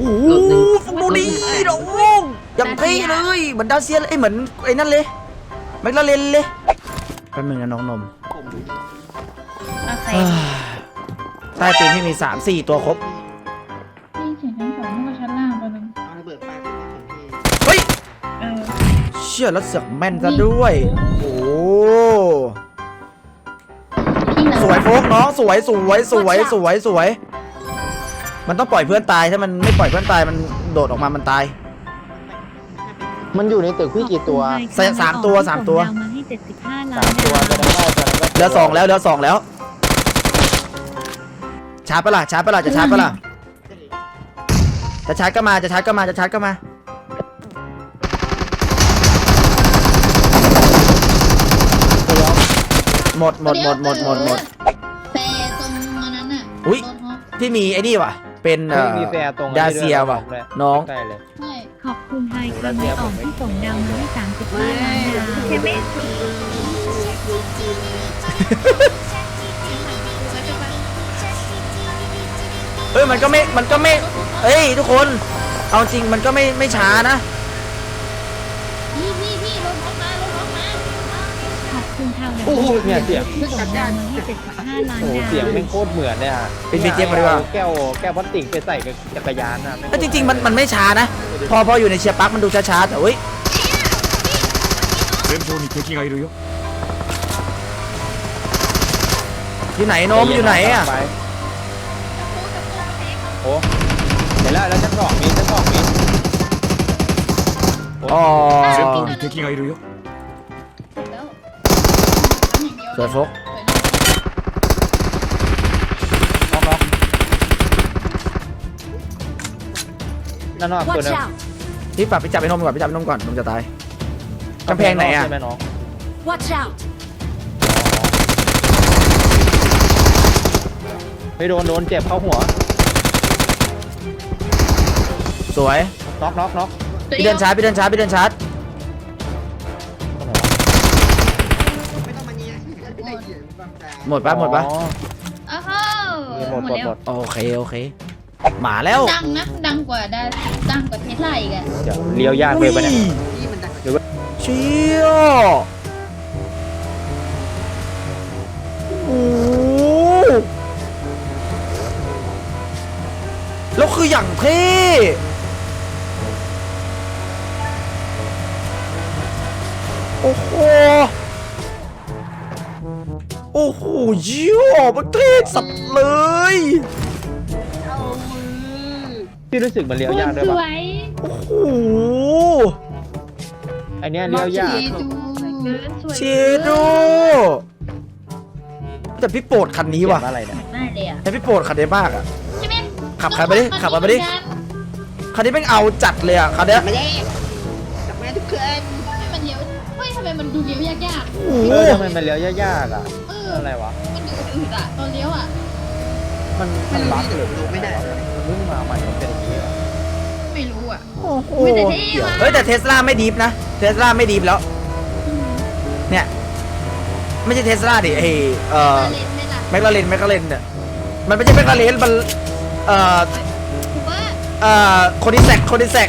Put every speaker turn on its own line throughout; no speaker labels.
โอ้โหดูดิน้องอย่างเท่เลยเหมือนดาเซียเลยเหมือนไอ้นั่นเลยแมคลาเรนเลยแป๊บนึงนะน้องนม
โอเค
ใต้ตีนที่มี3-4 ตัวครบ
พี่เขียนชั้นสองแล้วก็ชั้นล่างตัวนึง
เอาระเบิดปาใส่ถึงที่
เฮ้ย
เออ
เชื่อแล้วเสือกแม่นซะด้วยโอ้
พี่เหรอ
สวยโฟกน้องสวยมันต้องปล่อยเพื่อนตายถ้ามันไม่ปล่อยเพื่อนตายมันโดดออกมามันตาย
มันอยู่ในตึกพี่กี่ตัว
สามตัว
มาให้75 ล้าน
3 ตัวตัวนั้นก็ตัวนั้นก็
เหลือ 2แล้วชาร์จปะล่ะจะชาร์จปะล่ะจะชาร์จก็มาหมด
แต่ตรงนั้นน่ะ
อุ๊ย
รถฮอป
ที่มีไอ้นี่ว่ะเป็น
มีแฟร์ตรง
ดาเซียว่ะน้อง
ใกล้เลย
ขอบคุณไฮคาเมออกที่ส่งดาวมาให้35 ล้านดาวใช่ไหม
เอ้ยมันก็ไม่เอ้ยทุกคนเอาจริงมันก็ไม่ช้านะ
พี่รถฮอปมา
ขอบคุณทาว
โอ้โหเนี่ยเสียง
ที่ส่งดาวมาให้75 ล้าน
โอ้โห
ดาว
เสียงแม่งโคตรเหมือนเลยฮะ
เป็น BGM มาดีกว่า
แก้วพลาสติกไปใส่กับจักรยานนะ
แล้วจริงๆมันไม่ช้านะพออยู่ในเชียร์ปักมันดูช้าๆแต่เฮ้ยอยู่ไหนโนมอยู่ไหนอ่ะ
ไปโอ้เดี๋ยวแล้วชั้น 2มี
อ๋อ
แล้ว
สวยโฟก
น็อกนั่นนอกตัวนึง
พี่ปรับไปจับไอ้นมก่อนนมจะตายกำแพงไหนอ่ะ
ใช่ไหมน้อง
Watch out
ไม่โดนเจ็บเข้าหัว
สวย
น็อก
พี่เดินชาร์จ
ตรงไหนวะ
ไม่ต้องมาเนี้ย
หมดปะ
อ๋อ
อ้าว
หมด
แล้ว
โอเคหมาแล้ว
ดังนะดังกว่าเทสลาอีกอะ
เดี๋ยวเลี้ยวยากเลยปะเนี่ย
เชี่ยโอ้แล้วคืออย่างเท่โอ้โหเยี่ยมันเท่สัตว์เลย
พี่รู้สึกมันเลี้ยวยากด้วย
ส
ปะ
วย
โอ้โห
ไอเนี้ยเลี้ยวยาก
เชโดแต่พี่โปรดคันนี้ว่ะ
เขียอะไรเนี่ย
มากเลยอะ
แต่พี่โปรดคันนี้มากอ่ะ
ใช่ไหม
ขับไปดิคันนี้แม่งเอาจัดเลยอ่ะคันเนี้ย
ไม่ได้กลับมาทุกคืนมันเลี้ยวเฮ้ยทำไมมันดูเลี้ยวยาก
โอ้โห
ทำไมมันเลี้ยวยากอ่ะ
ๆเออ
อะไรวะ
มันดูอืดอะตอนเลี้ยวอะ
มันบั๊กหรือไม่ได้มันเพิ่งมาใหม่มันเป็นอย่างนี้เหรอ
ไม่รู้อะ
โอ้โห
ไม่แต่เท่ว่ะ
เฮ้ยแต่เทสลาไม่ดีฟนะเทสลาไม่ดีฟแล้วเนี่ยไม่ใช่เทสลาดิไอ
เล่นไม่ละ
แมคลาเรนเนี่ยมันไม่ใช่แมคลาเรนมัน
ถือว่า
โคดิแซก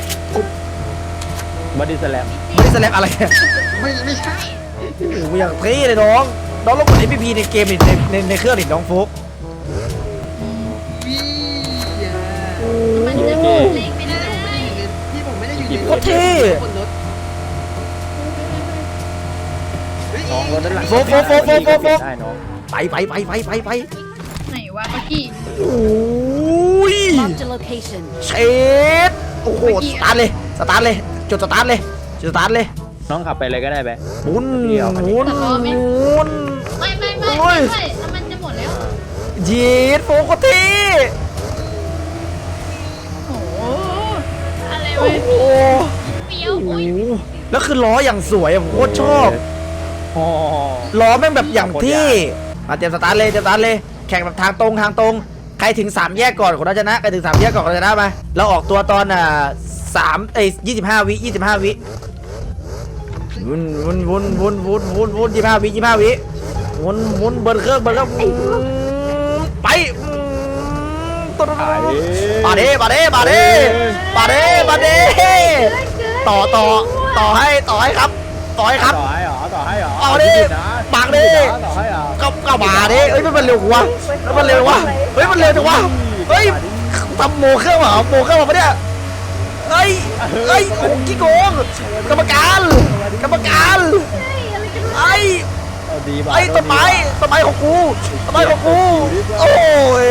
บอดี้สแลม
ไม่ได้สแลปอะไรเนี่ย
ไม่ใช่
โอ้โหอย่างเท่เลยน้องลองกด FPP ในเกมดิในเครื่องดิน้องฟุ๊ก
มันจะโดนเล่งไม่ได้
ที่ผมไม่ได้อยู่
โคตรเท่
น้องรถด้านหลัง
โฟก
ได้น้อง
ไป
ไหนวะเมื่อกี้
โอ้ย
Marked a location
เชดโอ้โหสตาร์ทเลยจุดสตาร์ทเลย
น้องขับไปเลยก็ได้ไป
หมุน
ไม่แล้วมันจะหมดแล้ว
ยีดโฟกที
โอ้โหอะไร
โอ้
วะ
โห
เฟี้ยวอุ้ย
แล้วคือล้ออย่างสวยอะผมโคตรชอบ
อ๋อ
ล้อแม่งแบบอย่างที่มาเตรียมสตาร์ทเลยแข่งแบบทางตรงใครถึง3แยกก่อนคนนั้นชนะใครถึง3แยกก่อนคนนั้นชนะมาเราออกตัวตอน25 วิวน25 วิวนเบิร์นเครื่องไปตัวมาดิมาดิมาดิมาดิมาดิต่อให้ครับต่อให้ครับ
ต่อให้เหรอต่อให้เหรอ
เอาดิปากดิ
ต่อให้เหรอ
ก็มาดิเฮ้ยมันเร็วกว่ามันเร็ววะเฮ้ยมันเร็วจังวะเฮ้ยทำโมเครื่องเหรอโมเครื่องเหรอปะเนี่ยเฮ้ยโอ้ขี้โกงกรรมการ
ดีป่ะ
ไอ้ต้นไม้ของกูโอ้ย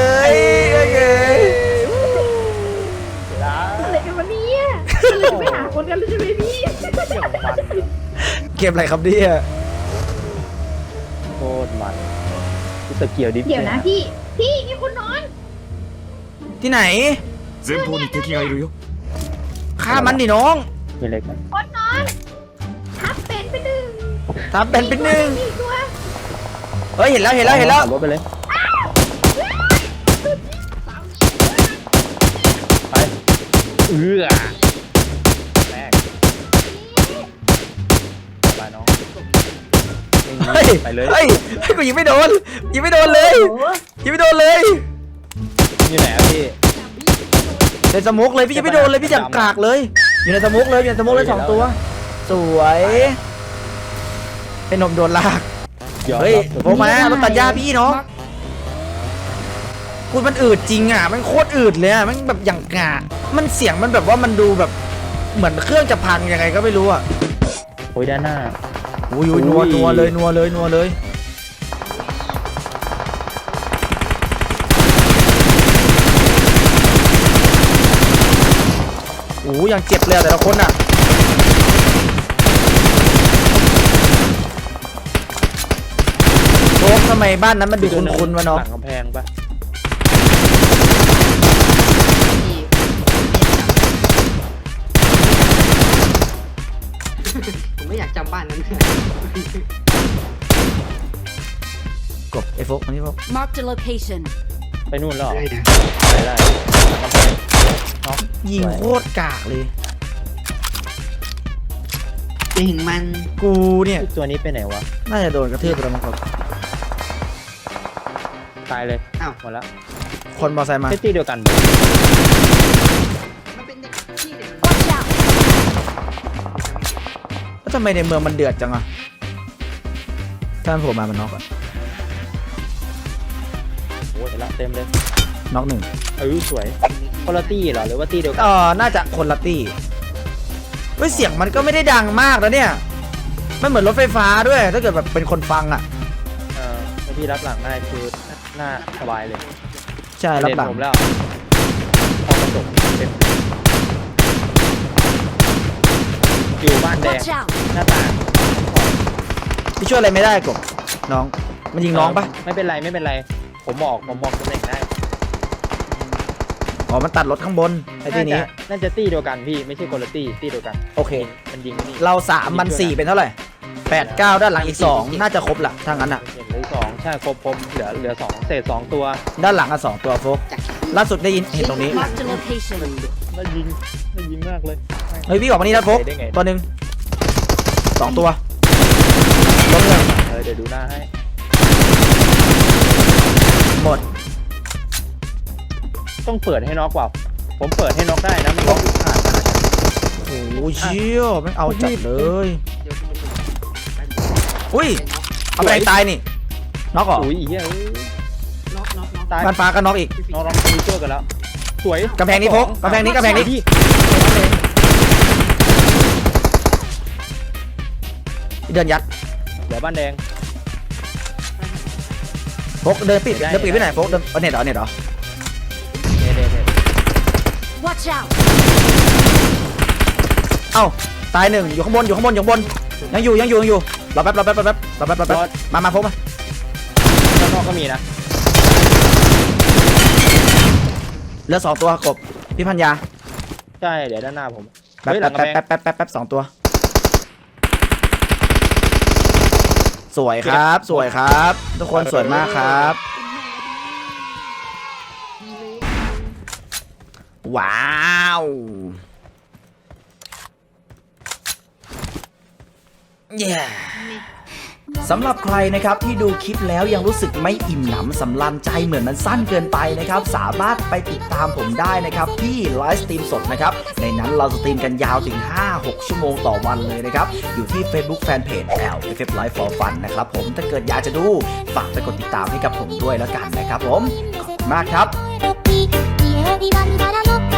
อะไรกันวะเนี่ยเราไปหาคนกันเลยใช่ไหมพี่
เกมอะไรครับเนี่ย
โคตรมันสเกียวดิฟ
เดี๋ยวนะพี่มีคนนอน
ที่ไหน
前方に敵がいるよ
ฆ่ามันดิน้อง
มีเล็กไหม
คนนอนทับเป็นไปหนึ่ง
ทำเป็นหนึ่ง
มีตัว
เฮ้ยเห็นแล้ว
ขับรถไปเลยไปแรกไปน้อง
เฮ้ย
ไปเลย
เฮ้ยกูยิงไม่โดนเลยยิงไม่โดนเลย
อยู่ไหนอะพี่
ในสมุกเลยพี่ยังไม่โดนเลยพี่จับกากเลย อยู่ในสมุกเลยสองตัว สวยเป็นนมโดนลากเฮ้ยโผล่มารถตัดหญ้าพี่เนาะคุณมันอืดจริงอ่ะมันโคตรอืดเลยอ่ะมันแบบอย่างกามันเสียงมันแบบว่ามันดูแบบเหมือนเครื่องจะพังยังไงก็ไม่รู้อ่ะ
โอ้ยด้านหน้า
อุ้ยนัวเลยโอ้ยยังเจ็บเลยแต่ละคนอ่ะโอ้ทำไมบ้านนั้นมันดูคุ้นๆวะเนาะ
หลังกำแพงปะ
ผมไม่อยากจำบ้านนั้น
กบไอ้โฟกอันนี้โฟก
Marked a location.
ไปนู่นแล้วเหรอ
ได้นะ
ไปได้หลังกำแพงน็อก
ยิงโคตรกากเลย
จะถึงมัน
กูเนี่ย
ตัวนี้ไปไหนวะ
น่าจะโดนกระทืบไปแล้วมั้งครับ
ตายเลย
อ้าว
หมดแล้ว
คนมอไซค์มา
ใช่ตีเดียวกัน
มันเป็นเด็กที่เด็ก
Watch out.
แล้วทำไมในเมืองมันเดือดจังอะถ้ามันโผล่มามันน็อกอะ
โอ้ยเห็นละเต็มเลย
น็อกหนึ่ง
สวยคนละตี้เหรอหรือว่าตี้เดียวกัน
น่าจะคนละตี้เฮ้ยเสียงมันก็ไม่ได้ดังมากนะเนี่ยไม่เหมือนรถไฟฟ้าด้วย ถ้าเกิดแบบเป็นคนฟังอะ
ถ้าพี่รับหลังได้คือหน้าสบายเลย
ใช่รับหลัง
เด่นผมแล้วพอกระจกเต็มอยู่บ้านแดง
Watch out.
หน้าต่าง
พี่ช่วยอะไรไม่ได้กบน้องมันยิงน้องปะ
ไม่เป็นไรไม่เป็นไร ผมบอกตำแหน่งได้
อ๋อมันตัดรถข้างบนไอ้ที่นี้
น่าจะตี้เดียวกันพี่ไม่ใช่คนละตี้เดียวกัน
โอเค
มันยิงนี่
เรา3มัน4เป็นเท่าไหร่8 9ด้านหลังอีก2น่าจะครบละถ้างั้นอะ
เห็นเลย2ใช่ครบเหลือ2เศษ2ตัว
ด้านหลังอะ2ตัวโฟก
จาก
ล่าสุดได้ยินเห็นตรงนี้
Marked a location.
น่ายิงมากเลย
เฮ้ยพี่ออกมานี่นะโฟก
ได้ไง
ตัวหนึ่ง2ตัวล้มหนึ่ง
เดี๋ยวดูหน้าให้
หมด
ต้องเปิดให้น็อกเปล่าผมเปิดให้น็อกได้นะมันน็อกผ่านนะ
โอ้โหเชี่ยไม่งเอาจัดเลย
เดี๋ยว
อุ้ยเอาไปไหนตายนี่น็อกเหรอ
อุ้ยเฮ้ย
น็อก
ตาย
บ้านฟ้าก็น็อกอีก
น็อกมีเจอกันแล้วสวย
กำแพงนี้พกกำแพงนี้
พี่
เดินยัด
เดี๋ยวบ้านแดง
พกเดินปิดไปไหนพกเดินเน็ตเหรอ
เนี่ย
Watch out.
เอ้าตายหนึ่งอยู่ข้างบนยังอยู่รอแป๊บมาพกมา
ข้างนอกก็มีนะ
เหลือ2ตัวกบพี่พัญญา
ใช่เดี๋ยวด้านหน้าผม
แป๊บ
เฮ้ยหลังกำแพง
แป๊บ2ตัวสวยครับทุกคนสวยมากครับ ว้าวเย้สำหรับใครนะครับที่ดูคลิปแล้วยังรู้สึกไม่อิ่มหนำสำราญใจเหมือนมันสั้นเกินไปนะครับสามารถไปติดตามผมได้นะครับที่ไลฟ์สตรีมสดนะครับในนั้นเราสตรีมกันยาวถึง 5-6 ชั่วโมงต่อวันเลยนะครับอยู่ที่ Facebook Fanpage LFF Live for Fun นะครับผมถ้าเกิดอยากจะดูฝากไปกดติดตามให้กับผมด้วยแล้วกันนะครับผมขอบคุณมากครับ
家には見らの